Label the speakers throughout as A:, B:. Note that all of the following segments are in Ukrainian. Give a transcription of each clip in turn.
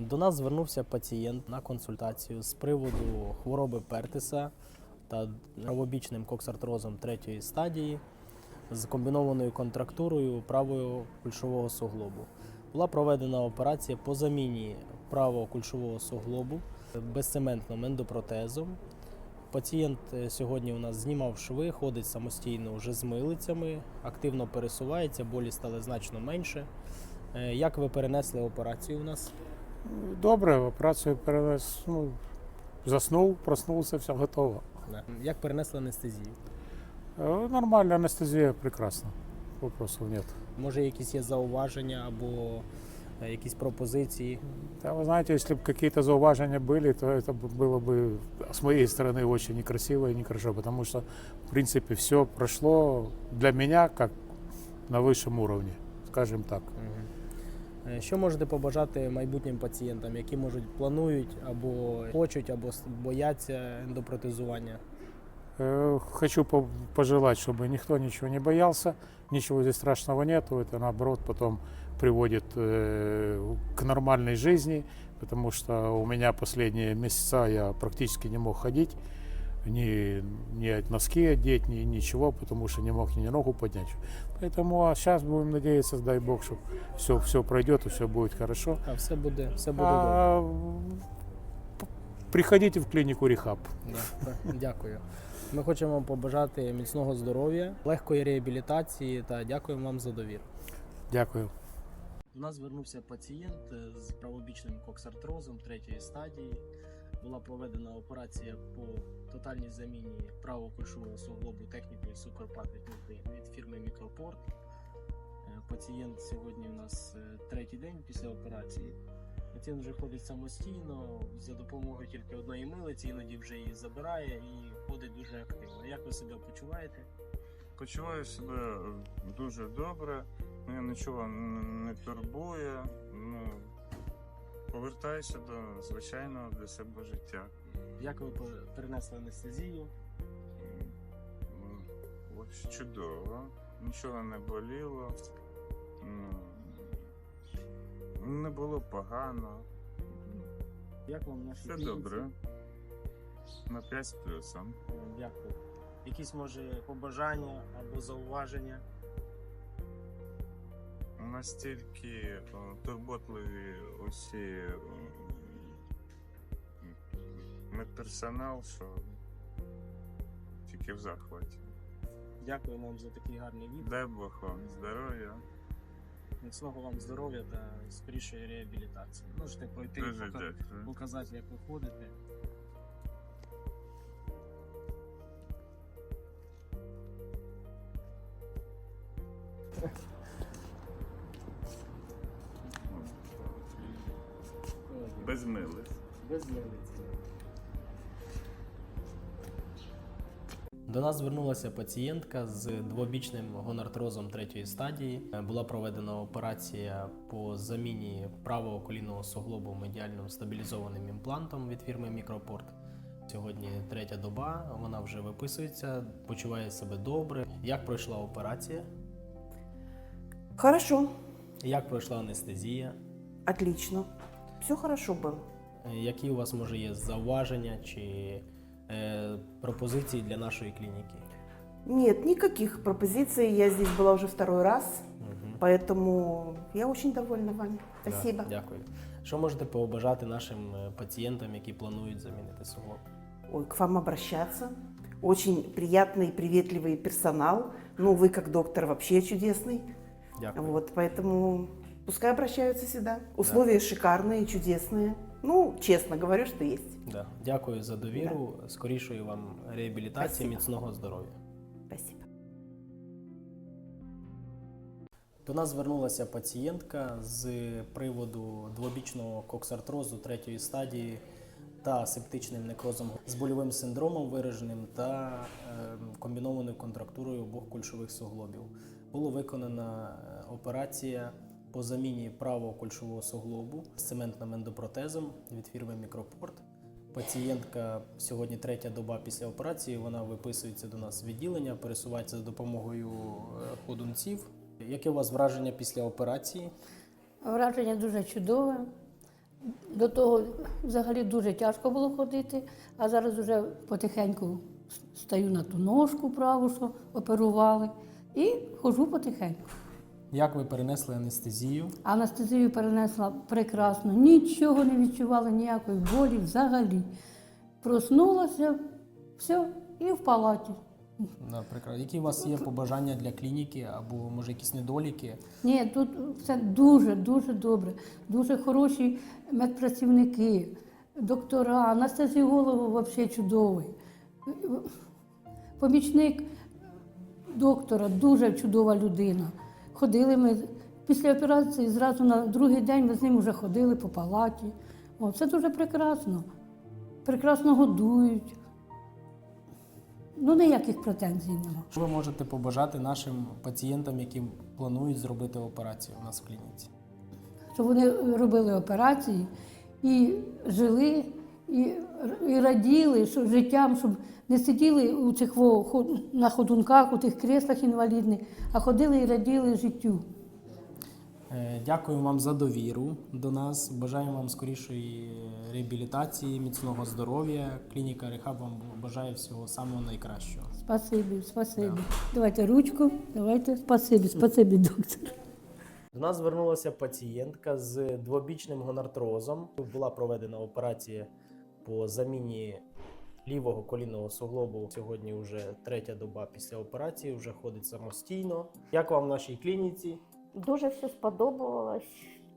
A: До нас звернувся пацієнт на консультацію з приводу хвороби Пертиса та правобічним коксартрозом 3-ї стадії з комбінованою контрактурою правого кульшового суглобу. Була проведена операція по заміні правого кульшового суглобу безцементним ендопротезом. Пацієнт сьогодні у нас знімав шви, ходить самостійно вже з милицями, активно пересувається, болі стали значно менше. Як ви перенесли операцію у нас?
B: Добре, операцію перенес, заснув, проснувся, все готово.
A: Як перенесли анестезію?
B: Нормальна анестезія, прекрасно, вопросов нет.
A: Може, якісь є зауваження або якісь пропозиції?
B: Да, вы знаете, если бы какие-то зауважения были, то это было бы с моей стороны очень некрасиво и нехорошо, потому что, в принципе, все прошло для меня как на высшем уровне, скажем так.
A: Що можете побажати майбутнім пацієнтам, які, планують або хочуть, або бояться ендопротезування?
B: Хочу пожелать, чтобы никто ничего не боялся, ничего здесь страшного нету, это наоборот потом приводит к нормальной жизни, потому что у меня последние месяца я практически не мог ходить, ни носки одеть, ни ничего, потому что не мог ни ногу поднять. Поэтому сейчас будем надеяться, дай Бог, что все пройдет и все будет хорошо.
A: А все буде добре.
B: Приходите в клинику Рехаб.
A: Дякую. Ми хочемо вам побажати міцного здоров'я, легкої реабілітації та дякуємо вам за довіру.
B: Дякую.
A: До нас звернувся пацієнт з правобічним коксартрозом 3-ї стадії. Була проведена операція по тотальній заміні правого кульшового суглобу технікою Сукорпат від фірми Мікропорт. Пацієнт сьогодні у нас 3-й день після операції. Пацієнт вже ходить самостійно, за допомогою тільки одної милиці, іноді вже її забирає і ходить дуже активно. Як ви себе почуваєте?
C: Почуваю себе дуже добре, мене нічого не турбує, повертаюся до звичайного для себе життя.
A: Як ви перенесли анестезію?
C: Ось чудово, нічого не боліло, не було погано.
A: Як вам наші
C: Все
A: клініці?
C: добре, на 5 з плюсом.
A: Дякую. Якісь, може, побажання або зауваження?
C: Настільки турботливі усі медперсонал, що тільки в захваті.
A: Дякую вам за такий гарний відео.
C: Дай Бог вам здоров'я.
A: Міцного вам здоров'я та скорішої реабілітації. Можете пройти
C: Дуже
A: і
C: дякую.
A: показати, як ви ходите.
C: Без милиць.
A: Без милиці. До нас звернулася пацієнтка з двобічним гонартрозом 3-ї стадії. Була проведена операція по заміні правого колінного суглобу медіальним стабілізованим імплантом від фірми Мікропорт. Сьогодні 3-я доба, вона вже виписується, почуває себе добре. Як пройшла операція?
D: Хорошо,
A: Як пройшла анестезія?
D: отлично. Все хорошо было.
A: Які у вас, може, є зауваження чи пропозиції для нашої клініки?
D: Нет, никаких пропозиций. Я здесь была уже второй раз, поэтому я очень довольна вами. Спасибо.
A: Да, дякую. Що можете побажати нашим пацієнтам, які планують замінити суглоб?
D: Ой, к вам обращаться. Очень приятный и приветливый персонал. Ну, вы как доктор вообще чудесный.
A: Дякую.
D: Вот, поэтому пускай обращаются сюда. Условия шикарные, чудесные. Ну, честно говорю, что есть.
A: Да. Дякую за довіру, скорішої вам реабілітації,
D: Спасибо.
A: міцного здоров'я.
D: Спасибо.
A: До нас звернулася пацієнтка з приводу двобічного коксартрозу 3-ї стадії та септичним некрозом з больовим синдромом вираженим та комбінованою контрактурою обох кульшових суглобів. Була виконана операція по заміні правого кульшового суглобу з цементним ендопротезом від фірми Мікропорт. Пацієнтка сьогодні 3-я доба після операції, вона виписується до нас з відділення, пересувається за допомогою ходунців. Яке у вас враження після операції?
E: Враження дуже чудове. До того взагалі дуже тяжко було ходити, а зараз вже потихеньку стаю на ту ножку праву, що оперували, і ходжу потихеньку.
A: Як ви перенесли анестезію?
E: Анестезію перенесла прекрасно, нічого не відчувала, ніякої болі взагалі. Проснулася, все, і в палаті.
A: Да, прекрасно. Які у вас є побажання для клініки або може якісь недоліки?
E: Ні, тут все дуже добре. Дуже хороші медпрацівники, доктора, анестезіолог взагалі чудовий. Помічник доктора дуже чудова людина. Ходили ми після операції, зразу на другий день ми з ним вже ходили по палаті. О, це дуже прекрасно. Прекрасно годують. Ну, ніяких претензій нема.
A: Що ви можете побажати нашим пацієнтам, які планують зробити операцію у нас в клініці?
E: Щоб вони робили операції і жили, і раділи що життям, щоб не сиділи у цих на ходунках, у тих креслах інвалідних, а ходили і раділи життю.
A: Дякую вам за довіру до нас. Бажаємо вам скорішої реабілітації, міцного здоров'я. Клініка Рехаб вам бажає всього самого найкращого.
E: Спасибі. Давайте ручку, давайте. Спасибі, доктор.
A: До нас звернулася пацієнтка з двобічним гонартрозом. Була проведена операція по заміні лівого колінного суглобу. Сьогодні вже третя доба після операції, вже ходить самостійно. Як вам в нашій клініці?
F: Дуже все сподобалось.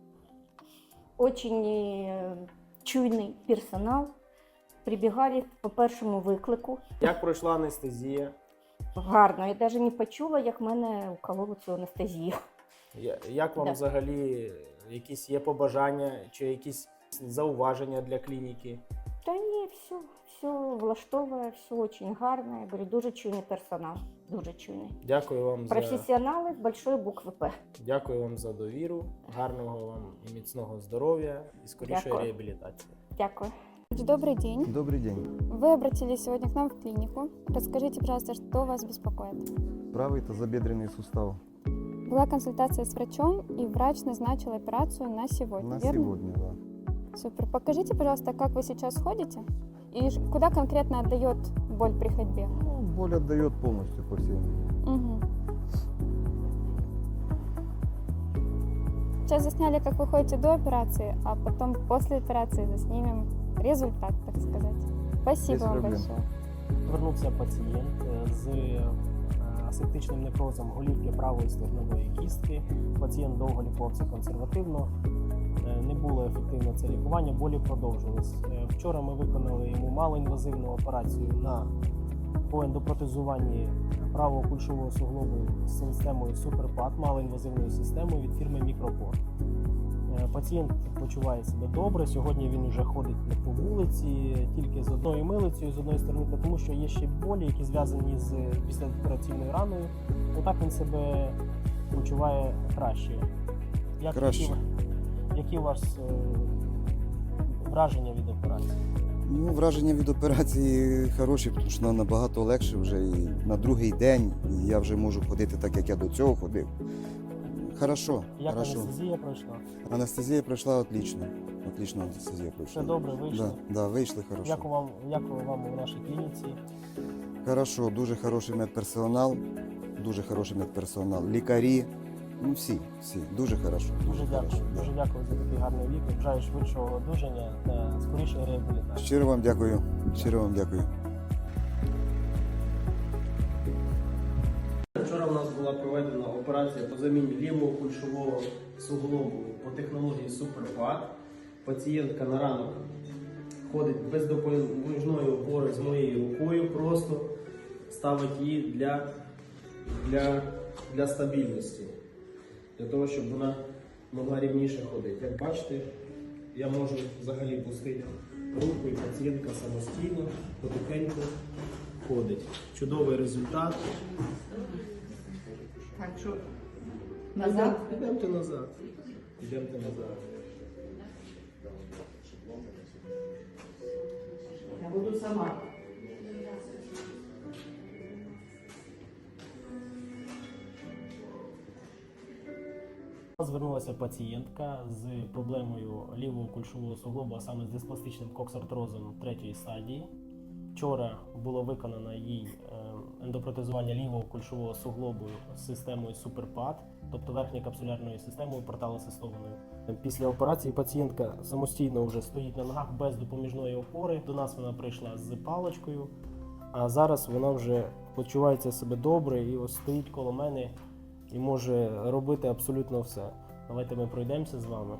F: Очень чуйний персонал. Прибігали по першому виклику.
A: Як пройшла анестезія?
F: Гарно. Я навіть не почула, як мене укололи цю анестезію.
A: Як вам
F: Да.
A: взагалі якісь є побажання чи якісь зауваження для клініки?
F: Та ні, все влаштовує, все очень гарно. Я говорю, дуже чуйний персонал. Дуже чуйний.
A: Дякую вам
F: Професіонали з большої букви П.
A: Дякую вам за довіру. Гарного вам і міцного здоров'я і скорішої
F: Дякую.
A: реабілітації.
F: Дякую.
G: Добрый день.
H: Добрый день.
G: Вы обратились сегодня к нам в клинику. Расскажите, пожалуйста, что вас беспокоит?
H: Правый тазобедренный сустав.
G: Была консультация с врачом, и врач назначил операцию на сегодня,
H: На
G: верно?
H: сегодня, да.
G: Супер. Покажите, пожалуйста, как вы сейчас ходите и куда конкретно отдает боль при ходьбе.
H: Ну, боль отдает полностью по всей.
G: Мгм. Сейчас засняли, как вы ходите до операции, а потом после операции заснимем результат, так сказать. Спасибо
H: Без
G: вам
H: проблем.
G: большое.
A: Звернувся пацієнт з асептичним некрозом голівки правої стегнової кістки. Пацієнт довго лікувався консервативно, не було ефективно це лікування, болі продовжились. Вчора ми виконали йому малоінвазивну операцію по ендопротезуванні правого кульшового суглобу з системою Суперпад, малоінвазивною системою від фірми Мікропор. Пацієнт почуває себе добре. Сьогодні він вже ходить по вулиці тільки з одною милицею, з одної сторони, тому що є ще болі, які зв'язані з післяопераційною раною. Отак він себе почуває краще.
H: Краще.
A: Які у вас враження від операції?
H: Ну, враження від операції хороші, тому що набагато легше вже і на другий день і я вже можу ходити так, як я до цього ходив. Хорошо,
A: Як
H: хорошо.
A: анестезія пройшла?
H: Анестезія пройшла отлично. Отлично анестезія пройшла.
A: Все добре вийшло?
H: Да, вийшли хорошо.
A: Як вам у нашій клініці?
H: Хорошо, дуже хороший медперсонал, лікарі, ну всі, дуже хорошо.
A: Дуже дякую.
H: хорошо, да.
A: Дуже дякую за такий гарний лікар. Бажаю швидшого одужання та скорішої реабілітації.
H: Щиро вам дякую. Щиро вам дякую.
A: Вчора у нас була проведена операція по заміні лівого кульшового суглобу по технології Суперпад. Пацієнтка на ранок ходить без допоміжної опори з моєю рукою, просто ставить її для стабільності, для того, щоб вона могла рівніше ходити. Як бачите, я можу взагалі пустити руку і пацієнтка самостійно, потихеньку ходить. Чудовий результат.
D: Так что назад.
A: Йдемте назад. Йдемте назад.
D: Я буду сама.
A: звернулася пацієнтка з проблемою лівого кульшового суглобу, а саме з диспластичним коксартрозом 3-ї стадії. Вчора було виконано їй ендопротезування лівого кульшового суглобу з системою SuperPad, тобто верхньою капсулярною системою порталосистованою. Після операції пацієнтка самостійно вже стоїть на ногах без допоміжної опори. До нас вона прийшла з паличкою, а зараз вона вже почувається себе добре і ось стоїть коло мене і може робити абсолютно все. Давайте ми пройдемося з вами.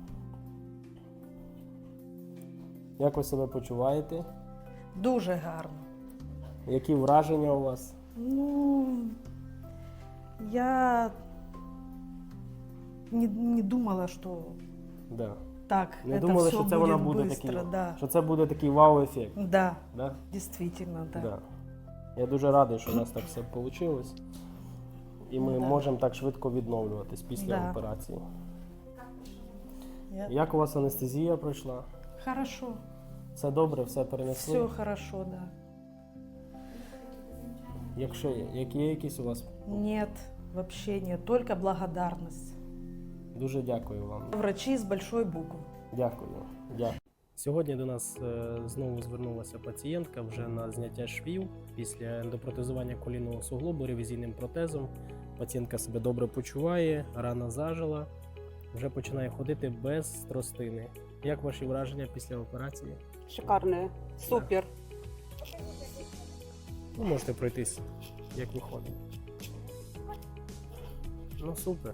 A: Як ви себе почуваєте?
I: Дуже гарно.
A: Які враження у вас?
I: Ну, я не думала, что
A: Да.
I: так
A: Не
I: это
A: думали,
I: все
A: що це
I: будет
A: вона буде
I: быстро.
A: такий,
I: Да.
A: що це буде такий вау-ефект.
I: Да,
A: Да?
I: действительно, да.
A: Да. Я дуже радий, що у нас так все вийшло. І ми
I: Да.
A: можемо так швидко відновлюватись після
I: Да.
A: операції.
I: Я-
A: Як у вас анестезія пройшла?
I: Хорошо,
A: Все добре, все перенесли?
I: все хорошо, да.
A: Якщо є, які є якісь у вас?
I: Нет, вообще нет, только благодарность.
A: Дуже дякую вам.
I: Врачи с большой буквы.
A: Дякую. Дякую. Сьогодні до нас знову звернулася пацієнтка вже на зняття швів після ендопротезування колінного суглобу ревізійним протезом. Пацієнтка себе добре почуває, рана зажила, вже починає ходити без тростини. Як ваші враження після операції?
J: Шикарные, супер.
A: Ви можете пройтись, як виходить. Ну супер.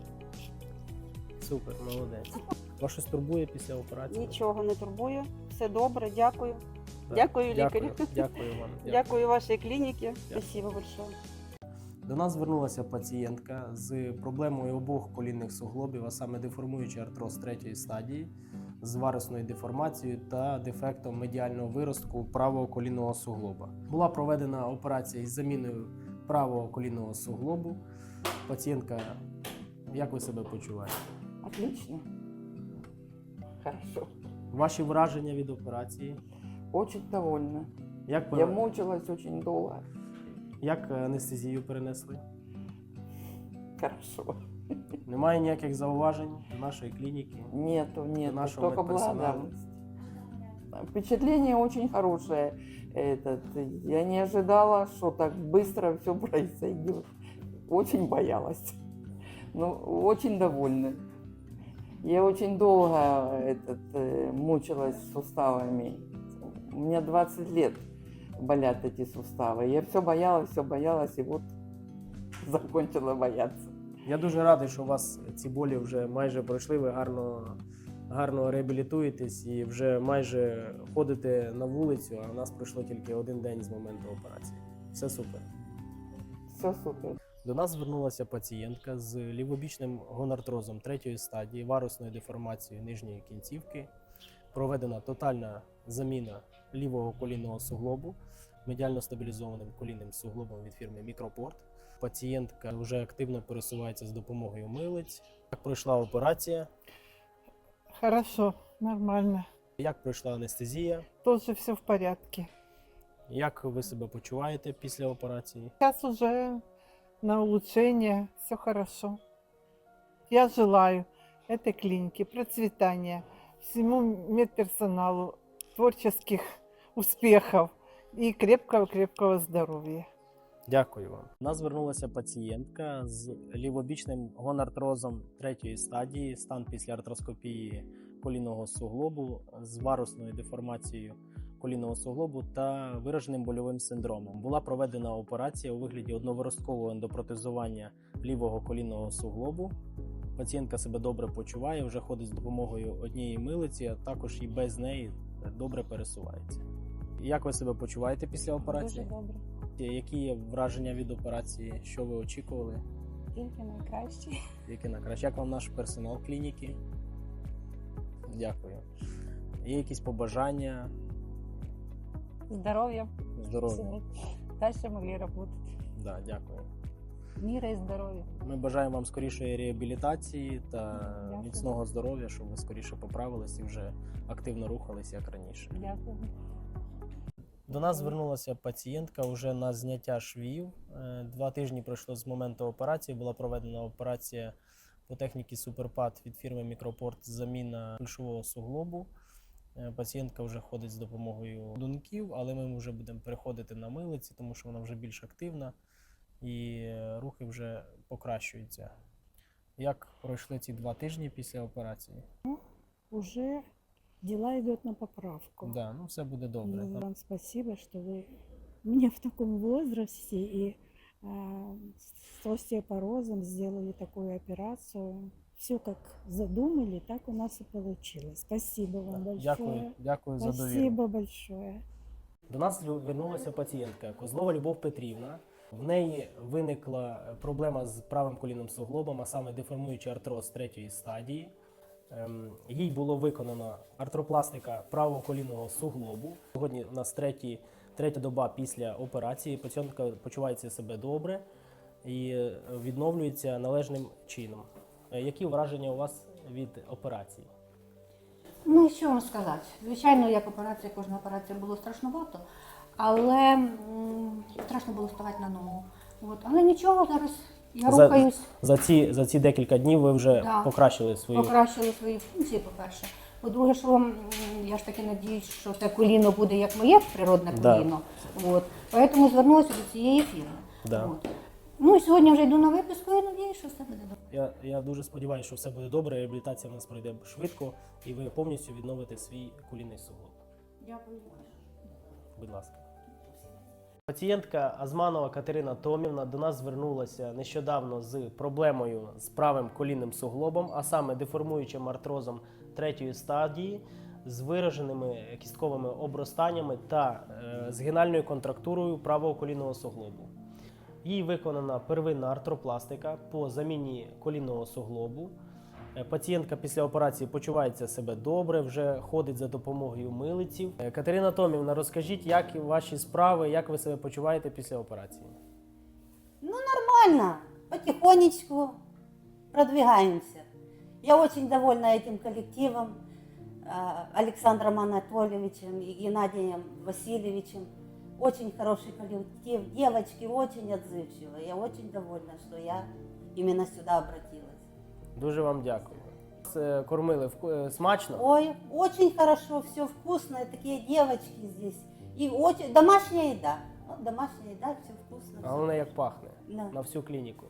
A: Супер, молодець. Вас щось турбує після операції?
J: Нічого не турбує, все добре, дякую.
A: Да.
J: Дякую, лікарю.
A: Дякую вам.
J: Дякую вашій клініці. Спасибо большое.
A: До нас звернулася пацієнтка з проблемою обох колінних суглобів, а саме деформуючий артроз 3-ї стадії, з варусною деформацією та дефектом медіального виростку правого колінного суглоба. Була проведена операція із заміною правого колінного суглобу. Пацієнтка, як ви себе почуваєте?
K: Отлично. Хорошо.
A: Ваші враження від операції?
K: Очень довольна.
A: Як,
K: Я мучилась очень долго.
A: як анестезію перенесли?
K: Хорошо.
A: Немає ніяких зауважень до нашої клініки?
K: Нету,
A: нашего
K: только
A: медперсонала.
K: благодарность. Впечатление очень хорошее. Я не ожидала, что так быстро все произойдет. Очень боялась. Но очень довольна. Я очень долго мучилась суставами. У меня 20 лет болят эти суставы. Я все боялась, и вот закончила бояться.
A: Я дуже радий, що у вас ці болі вже майже пройшли, ви гарно реабілітуєтесь і вже майже ходите на вулицю, а у нас пройшло тільки один день з моменту операції. Все супер.
K: Все супер.
A: До нас звернулася пацієнтка з лівобічним гонартрозом 3-ї стадії, варусною деформацією нижньої кінцівки. Проведена тотальна заміна лівого колінного суглобу медіально стабілізованим колінним суглобом від фірми Мікропорт. Пацієнтка вже активно пересувається з допомогою милиць. Як пройшла операція?
I: Хорошо, нормально.
A: Як пройшла анестезія?
I: Тоже все в порядке.
A: Як ви себе почуваєте після операції?
I: Сейчас уже на улучшение, все хорошо. Я желаю этой клинике процветания, всему медперсоналу, творческих успехов и крепкого-крепкого здоровья.
A: Дякую вам. У нас звернулася пацієнтка з лівобічним гонартрозом 3-ї стадії, стан після артроскопії колінного суглобу з варусною деформацією колінного суглобу та вираженим больовим синдромом. Була проведена операція у вигляді одноворосткового ендопротезування лівого колінного суглобу. Пацієнтка себе добре почуває, вже ходить з допомогою однієї милиці, а також і без неї добре пересувається. Як ви себе почуваєте після операції?
G: Дуже добре.
A: Які є враження від операції? Що ви очікували?
G: Тільки найкраще.
A: Які на краще? Як вам наш персонал клініки? Дякую. Є якісь побажання?
G: Здоров'я.
A: Здоров'я.
G: Дальше могли работать.
A: Да, дякую.
G: Мира і здоров'я.
A: Ми бажаємо вам скорішої реабілітації та
G: Дякую.
A: міцного здоров'я, щоб ви скоріше поправились і вже активно рухались, як раніше.
G: Дякую.
A: До нас звернулася пацієнтка вже на зняття швів. 2 тижні пройшло з моменту операції. Була проведена операція по техніці Суперпад від фірми Мікропорт заміна кульшового суглобу. Пацієнтка вже ходить з допомогою думків, але ми вже будемо переходити на милиці, тому що вона вже більш активна і рухи вже покращуються. Як пройшли ці 2 тижні після операції?
L: Уже дела идут на поправку.
A: Да, ну все буде добре.
L: Ну, вам спасибо, что вы меня в таком возрасте и с остеопорозом сделали такую операцию. Все как задумали, так у нас и получилось. Спасибо вам большое.
A: Дякую за довіру.
L: Спасибо большое.
A: До нас звернулася пацієнтка Козлова Любов Петрівна. В неї виникла проблема з правим колінним суглобом, а саме деформуючий артроз 3-ї стадії. Їй було виконано артропластика правого колінного суглобу. Сьогодні у нас третя доба після операції. Пацієнтка почувається себе добре і відновлюється належним чином. Які враження у вас від операції?
E: Ну, що вам сказати? Звичайно, як операція, кожна операція було страшновато, але страшно було ставати на ногу. От. Але нічого, зараз я рухаюсь.
A: За ці декілька днів ви вже покращили
E: свої функції, по-перше. По-друге, що я ж таки надіюсь, що це коліно буде як моє природне коліно. От. Тому звернулася до цієї фірми. От. Ну і сьогодні вже йду на виписку і надіюсь, що все буде добре.
A: Я дуже сподіваюся, що все буде добре, реабілітація в нас пройде швидко і ви повністю відновите свій колінний суглоб.
E: Дякую.
A: Будь ласка. Пацієнтка Азманова Катерина Томівна до нас звернулася нещодавно з проблемою з правим колінним суглобом, а саме деформуючим артрозом 3-ї стадії, з вираженими кістковими обростаннями та згинальною контрактурою правого колінного суглобу. Їй виконана первинна артропластика по заміні колінного суглобу. Пацієнтка після операції почувається себе добре, вже ходить за допомогою милиців. Катерина Томівна, розкажіть, як ваші справи, як ви себе почуваєте після операції?
M: Ну, нормально, потихонечку продвигаемся. Я очень довольна этим коллективом, Александром Анатольевичем и Геннадием Васильевичем. Очень хороший коллектив, девочки очень отзывчивые. Я очень довольна, что я именно сюда обратилась.
A: Дуже вам дякую. Кормили смачно?
M: Ой, очень хорошо, все вкусно, такие девочки здесь. И очень домашняя еда. Вот домашняя еда, все вкусно.
A: А воно як пахне
M: Да.
A: на всю клініку.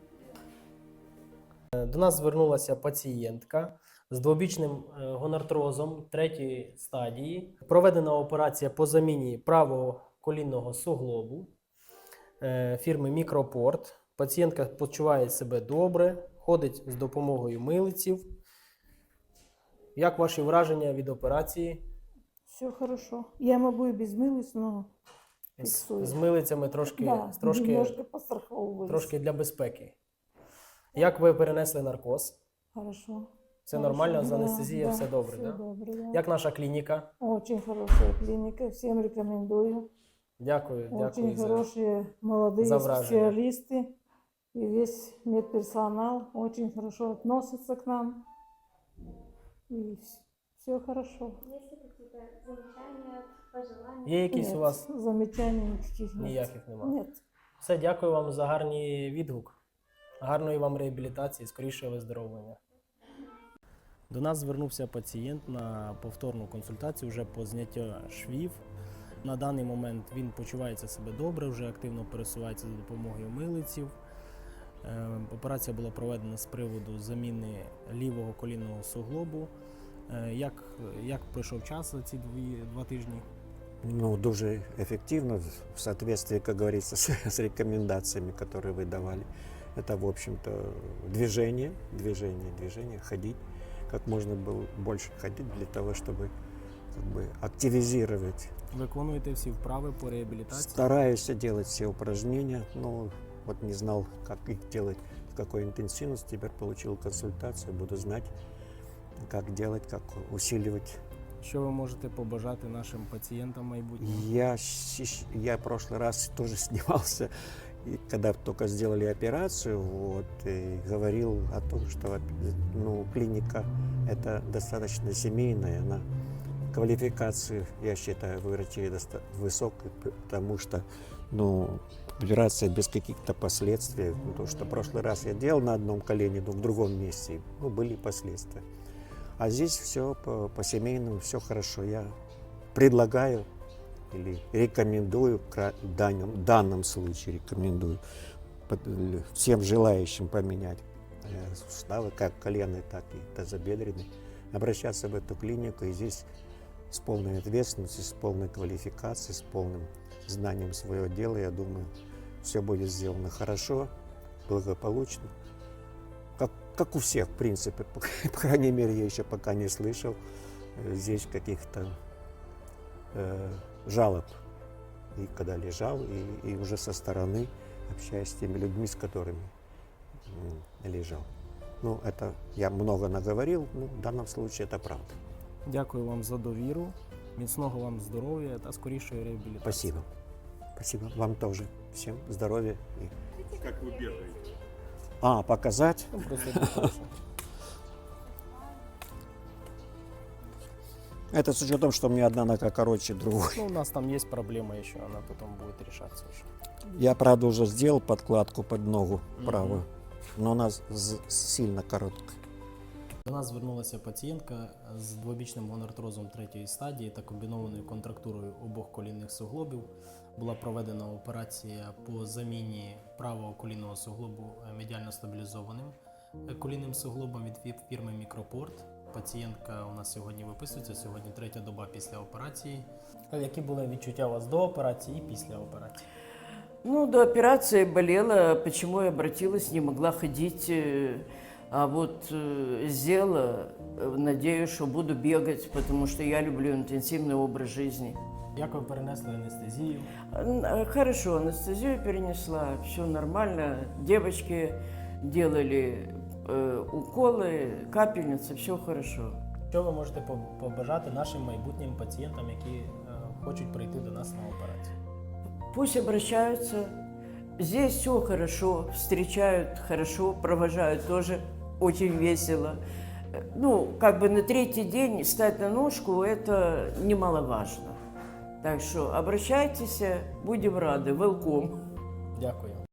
A: До нас звернулася пацієнтка з двобічним гонартрозом 3-ї стадії. Проведена операція по заміні правого колінного суглобу фірми Мікропорт. Пацієнтка почуває себе добре, ходить з допомогою милиців. Як ваші враження від операції?
L: Все хорошо. Я могу и без мылиц, но фиксую.
A: З милицями трошки
L: немножко постраховываюсь.
A: трошки для безпеки. Як ви перенесли наркоз?
L: Хорошо.
A: Все
L: Хорошо,
A: нормально, з
L: да,
A: анестезією все добре,
L: все
A: да?
L: добре, да.
A: Як наша клініка?
L: Очень хорошая клиника, всем рекомендую.
A: Дякую,
L: Очень
A: дякую за...
L: хорошие молодые
A: за враження.
L: специалисты. И весь медперсонал очень хорошо относится к нам. И все хорошо.
G: Есть ли какие-то замечания, пожелания?
A: Є якісь
L: Нет,
A: у вас?
L: замечаний никаких нет.
A: Ніяких немає?
L: Нет.
A: Все, дякую вам за гарний відгук. Гарної вам реабілітації, скорішого виздоровлення. До нас звернувся пацієнт на повторну консультацію вже по зняттю швів. На даний момент він почувається себе добре, вже активно пересувається за допомогою милиців. Операція була проведена з приводу заміни лівого колінного суглобу. Як пройшов час за ці 2 тижні?
N: Ну, дуже эффективно, в соответствии, как говорится, с рекомендациями, которые вы давали. Это, в общем-то, движение, ходить, как можно было больше ходить для того, чтобы как бы активизировать.
A: Виконуєте всі вправи по реабілітації?
N: Стараюсь делать все упражнения, но вот не знал, как их делать, в какой интенсивности. Теперь получил консультацию, буду знать, как делать, как усиливать.
A: Що ви можете побажати нашим пацієнтам майбутнім?
N: Я в прошлый раз тоже снимался, и когда только сделали операцию, вот, и говорил о том, что клиника это достаточно семейная, она квалификацию, я считаю, врачей высокой, потому что операция без каких-то последствий. Потому что в прошлый раз я делал на одном колене, но в другом месте. Ну, были последствия. А здесь все по семейному, все хорошо. Я предлагаю или рекомендую, в данном случае рекомендую всем желающим поменять суставы, как коленные, так и тазобедренные, обращаться в эту клинику. И здесь с полной ответственностью, с полной квалификацией, с полным знанием своего дела, я думаю, все будет сделано хорошо, благополучно. Как у всех, в принципе. По крайней мере, я еще пока не слышал здесь каких-то жалоб. И когда лежал, и уже со стороны общаюсь с теми людьми, с которыми лежал. Ну, это я много наговорил, ну, в данном случае это правда.
A: Дякую вам за довіру, міцного вам здоров'я та скорішої реабілітації.
N: Спасибо. Спасибо. Вам тоже. Всем здоровья.
C: Как вы бегаете?
N: Показать?
A: Ну, просто покажу.
N: Это с учетом, что у меня одна нога короче другой.
A: Ну, у нас там есть проблема еще, она потом будет решаться уже.
N: Я, правда, уже сделал подкладку под ногу правую, но она сильно короткая.
A: До нас звернулася пацієнтка з двобічним гонартрозом 3-ї стадії та комбінованою контрактурою обох колінних суглобів. Була проведена операція по заміні правого колінного суглобу медіально стабілізованим колінним суглобом від фірми Мікропорт. Пацієнтка у нас сьогодні виписується, сьогодні 3-я доба після операції. Які були відчуття у вас до операції і після операції?
O: Ну, до операции болела, почему я обратилась, не могла ходить. А вот сделала, надеюсь, что буду бегать, потому что я люблю интенсивный образ жизни.
A: Як ви перенесли анестезію?
O: Хорошо, анестезию перенесла, все нормально. Девочки делали уколы, капельницы, все хорошо.
A: Що ви можете побажати нашим майбутнім пацієнтам, які хочуть прийти до нас на операцію?
O: Пусть обращаются. Здесь все хорошо, встречают хорошо, провожают тоже очень весело. Ну, как бы на 3-й день встать на ножку – это немаловажно. Так что обращайтесь, будем рады. Welcome.
A: Дякую.